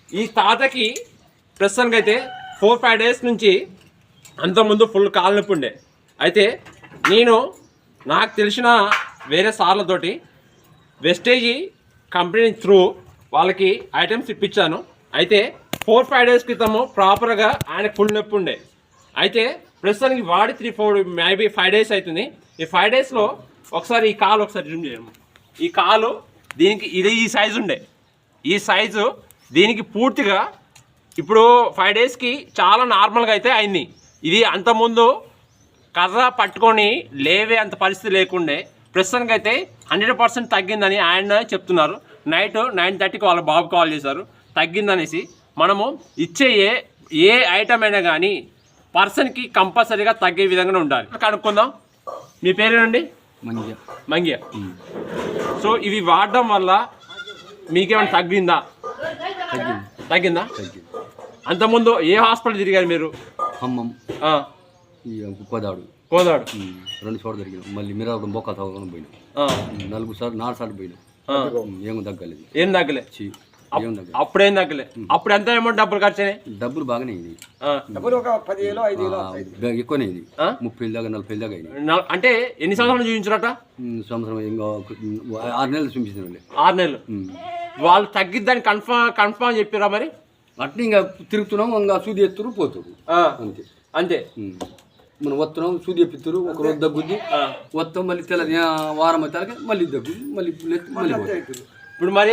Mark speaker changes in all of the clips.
Speaker 1: ఈ తాతకి ప్రస్తుతానికి అయితే 4-5 డేస్ నుంచి అంతకుముందు ఫుల్ కాలు నొప్పి ఉండే. అయితే నేను నాకు తెలిసిన వేరే సార్లతోటి వెస్టేజీ కంపెనీ త్రూ వాళ్ళకి ఐటమ్స్ ఇప్పించాను. అయితే 4-5 డేస్ క్రితము ప్రాపర్గా ఆయనకు ఫుల్ నొప్పి ఉండే. అయితే ప్రస్తుతానికి వాడి 3-4 మేబీ 5 డేస్ అవుతుంది. ఈ 5 డేస్లో ఒకసారి ఈ కాలు ఒకసారి జూమ్ చేయము. ఈ కాలు దీనికి ఇది ఈ సైజు ఉండే. ఈ సైజు దీనికి పూర్తిగా ఇప్పుడు 5 డేస్కి చాలా నార్మల్గా అయితే అయింది. ఇది అంతకుముందు కర్ర పట్టుకొని లేవే అంత పరిస్థితి లేకుండే. ప్రస్తుతానికి అయితే 100% తగ్గిందని ఆయన చెప్తున్నారు. నైట్ 9:30కి వాళ్ళ బాబు కాల్ చేశారు తగ్గిందనేసి. మనము ఇచ్చే ఏ ఐటమ్ అయినా కానీ పర్సన్కి కంపల్సరీగా తగ్గే విధంగా ఉండాలి. కనుక్కుందాం. మీ పేరేనండి? మంగ్య. సో ఇవి వాడడం వల్ల మీకేమైనా తగ్గిందా? అంతకుముందు ఏ హాస్పిటల్ తిరిగారు మీరు?
Speaker 2: ఖమ్మం, కోదాడు 2 చోట్ల తిరిగినాం. మళ్ళీ మీరు బొక్క తగ్గడం పోయినాం. 4 సార్లు పోయినాం. ఏం తగ్గలేదు.
Speaker 1: అప్పుడేం తగ్గలే. అప్పుడు ఎంత అమౌంట్ డబ్బులు ఖర్చు అయినాయి?
Speaker 2: డబ్బులు బాగానే అయింది. ఎక్కువనే అయింది. 30,000 దాకా 40,000 దాకా అయింది.
Speaker 1: అంటే ఎన్ని సంవత్సరాలు చూపించారట?
Speaker 2: సంవత్సరం ఇంకా 6 నెలలు చూపించారు.
Speaker 1: 6 నెలలు. వాళ్ళు తగ్గిద్దని కన్ఫర్మ్ చెప్పారా మరి?
Speaker 2: అట్లా ఇంకా తిరుగుతున్నాం. ఇంకా సూది ఎత్తురు పోతురు అంతే. మనం వస్తున్నాం, సూది ఎప్పిస్తారు. ఒక రోజు దగ్గుద్ది వస్తాం, మళ్ళీ వారం అయితే మళ్ళీ దగ్గు, మళ్ళీ
Speaker 1: ఇప్పుడు మరి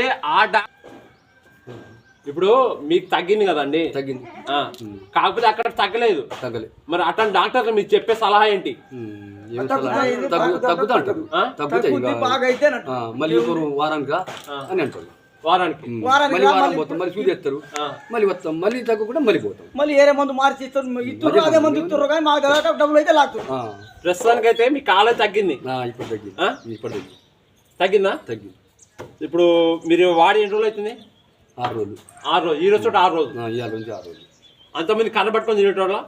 Speaker 1: ఇప్పుడు మీకు తగ్గింది కదండి?
Speaker 2: తగ్గింది.
Speaker 1: కాకపోతే అక్కడ తగ్గలేదు. మరి అట్లాంటి డాక్టర్ మీకు చెప్పే సలహా ఏంటి?
Speaker 2: తగ్గుతా అంటారు. మళ్ళీ వారానికి అని అంటారు.
Speaker 1: వారానికి
Speaker 2: మళ్ళీ వారం పోతాం, మళ్ళీ సూది ఎత్తారు, మళ్ళీ వస్తాం, మళ్ళీ తగ్గకుండా మళ్ళీ పోతాం.
Speaker 3: మళ్ళీ ఏరే మందు మార్చి ఇస్తారు. అదే మందు ఇస్తారు కానీ మాకు డబ్బులు అయితే లాగుతారు.
Speaker 1: ప్రస్తుతానికి అయితే మీ కాలం తగ్గింది.
Speaker 2: ఇప్పుడు
Speaker 1: తగ్గిందా?
Speaker 2: తగ్గింది.
Speaker 1: ఇప్పుడు మీరు వాడి ఎన్ని రోజులు అవుతుంది?
Speaker 2: 6 రోజులు.
Speaker 1: 6 రోజులు. ఈ రోజు చోట 6 రోజులు.
Speaker 2: ఇవాళ నుంచి 6 రోజులు.
Speaker 1: అంతమంది కర్ర పట్టుకొని తినేటోళ్ళ?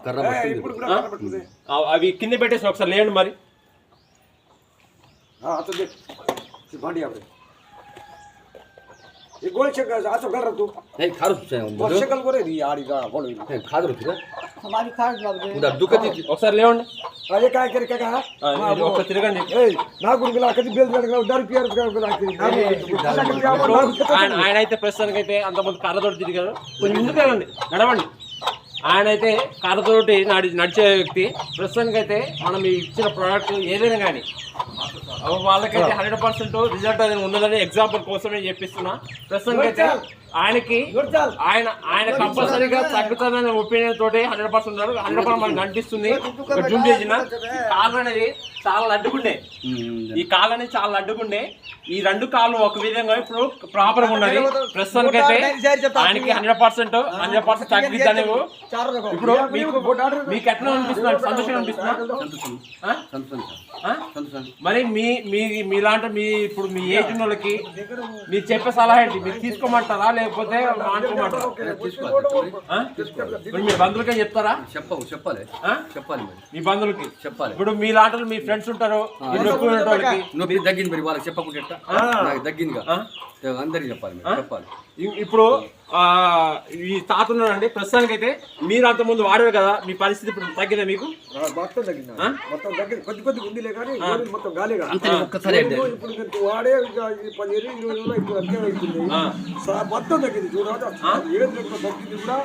Speaker 1: అవి కింద పెట్టేసి ఒకసారి లేండి మరి. ఒకసారి లేవండి. తిరగండి. ఆయన అయితే ప్రస్తుతానికి అయితే అంతమంది కర్రతోటి తిరిగారు. కొంచెం ముందుకు వెళ్ళండి, నడవండి. ఆయన అయితే కర్రతోటి నడిచే వ్యక్తి. ప్రస్తుతానికి అయితే మనం ఇచ్చిన ప్రోడక్ట్ ఏదైనా కానీ వాళ్ళకైతే 100% రిజల్ట్ అనేది ఉన్నదని ఎగ్జాంపుల్ కోసమే చెప్పిస్తున్నా. ప్రస్తుతానికి అయితే ఆయన కంపల్సరీగా తగ్గుతుందనే ఒపీనియన్ తోటి 100% ఉన్నారు. 100% మనకు అనిపిస్తుంది. జూమ్ చేసిన కాళ్ళు అనేది చాలా లడ్డుకుండే. ఈ కాళ్ళు అనేది చాలా లడ్డుకుండే. ఈ 2 కాళ్ళు ఒక విధంగా ఇప్పుడు ప్రాపర్ గా ఉన్నది. ప్రస్తుతానికి అయితే ఆయనకి 100% తగ్గిద్దని. ఇప్పుడు మీకు ఎట్లా అనిపిస్తుంది? సంతోషంగా అనిపిస్తుందా? మరి మీలాంటి ఇప్పుడు మీ ఏజ్ వాళ్ళకి మీరు చెప్పే సలహా ఏంటి? మీరు తీసుకోమంటారా లేకపోతే మానుకోమంటారా? మీ బంధువులకే చెప్తారా?
Speaker 2: చెప్పాలి.
Speaker 1: మీ బంధువులకి
Speaker 2: చెప్పాలి.
Speaker 1: ఇప్పుడు మీలాంటి మీ ఫ్రెండ్స్ ఉంటారు,
Speaker 2: నొప్పి తగ్గింది మరి వాళ్ళకి చెప్పకుండా నాకు తగ్గిందిగా అందరికి చెప్పాలి.
Speaker 1: ఇప్పుడు ఈ తాత ఉన్నాడండి. ప్రస్తుతానికి అయితే మీరు అంత ముందు వాడారు కదా, మీ పరిస్థితి ఇప్పుడు తగ్గిందా? మీకు
Speaker 3: మొత్తం తగ్గింది. కొద్ది ఉందిలే కానీ మొత్తం గాలిగా
Speaker 2: ఒక్కసారి
Speaker 3: వాడే 15-20 రోజులు ఇప్పుడు అంతే అవుతుంది. మొత్తం తగ్గింది. చూడాలి ఏం తగ్గింది కూడా.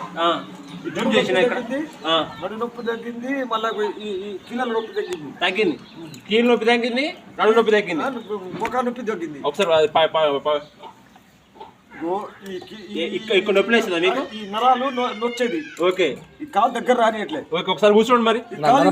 Speaker 3: నడు నొప్పి తగ్గింది, మళ్ళీ ఈ కీళ్ళ నొప్పి తగ్గింది.
Speaker 1: కీళ్ళ నొప్పి తగ్గింది, నడు నొప్పి తగ్గింది,
Speaker 3: ముఖ నొప్పి తగ్గింది.
Speaker 1: ఒకసారి ఇక్కడ నొప్పి లేచిందా మీకు?
Speaker 3: ఈ నరాలు నొచ్చేది.
Speaker 1: ఓకే.
Speaker 3: ఈ కాలు దగ్గర రానియట్లే.
Speaker 1: ఓకే, ఒకసారి కూర్చోండి మరి.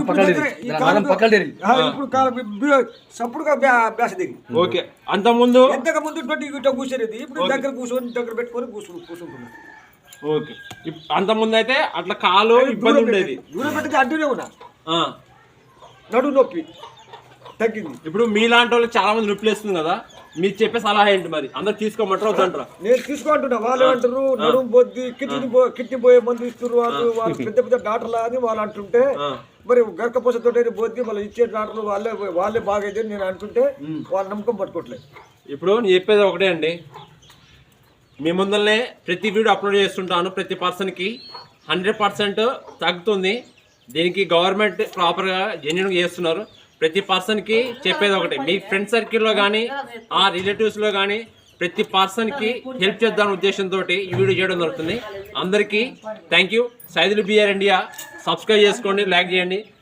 Speaker 3: ఇప్పుడు సప్పుడుగా బ్యాస దిగి.
Speaker 1: ఓకే. అంతకుముందు
Speaker 3: ఇట్లా కూర్చోలేదు. ఇప్పుడు దగ్గర కూర్చొని దగ్గర పెట్టుకొని కూర్చుంటున్నాను.
Speaker 1: ఓకే. అంతకుముందు అయితే అట్లా కాలు ఇబ్బంది ఉండేది.
Speaker 3: దూరం పెట్టితే అడ్డునే ఉన్నా. నడు నొప్పి తగ్గింది.
Speaker 1: ఇప్పుడు మీలాంటి వాళ్ళు చాలా మంది నొప్పి లేస్తుంది కదా, మీరు చెప్పే సలహా ఏంటి మరి? అందరు తీసుకోమంటారు వద్దంటారా?
Speaker 3: నేను తీసుకుంటున్నా. వాళ్ళు అంటారు నడుము బొద్ది కిడ్నీ పోయే మందు ఇస్తారు వాళ్ళు పెద్ద పెద్ద డాక్టర్లు అని వాళ్ళు అంటుంటే, మరి గర్కపోసతో బొద్ది మళ్ళీ ఇచ్చే డాక్టర్లు వాళ్ళే బాగా అయితే నేను అనుకుంటే వాళ్ళ నమ్మకం పట్టుకోవట్లేదు.
Speaker 1: ఇప్పుడు నేను చెప్పేది ఒకటే అండి, మీ ముందరనే ప్రతి వీడియో అప్లోడ్ చేస్తుంటాను. ప్రతి పర్సన్కి 100% తగ్గుతుంది. దీనికి గవర్నమెంట్ ప్రాపర్గా జెన్యున్గా చేస్తున్నారు. ప్రతి పర్సన్కి చెప్పేది ఒకటి, మీ ఫ్రెండ్ సర్కిల్లో కానీ ఆ రిలేటివ్స్లో కానీ ప్రతి పర్సన్కి హెల్ప్ చేద్దామనే ఉద్దేశంతో ఈ వీడియో చేయడం జరుగుతుంది. అందరికీ thank you. Saidulu BR India subscribe చేసుకోండి, లైక్ చేయండి.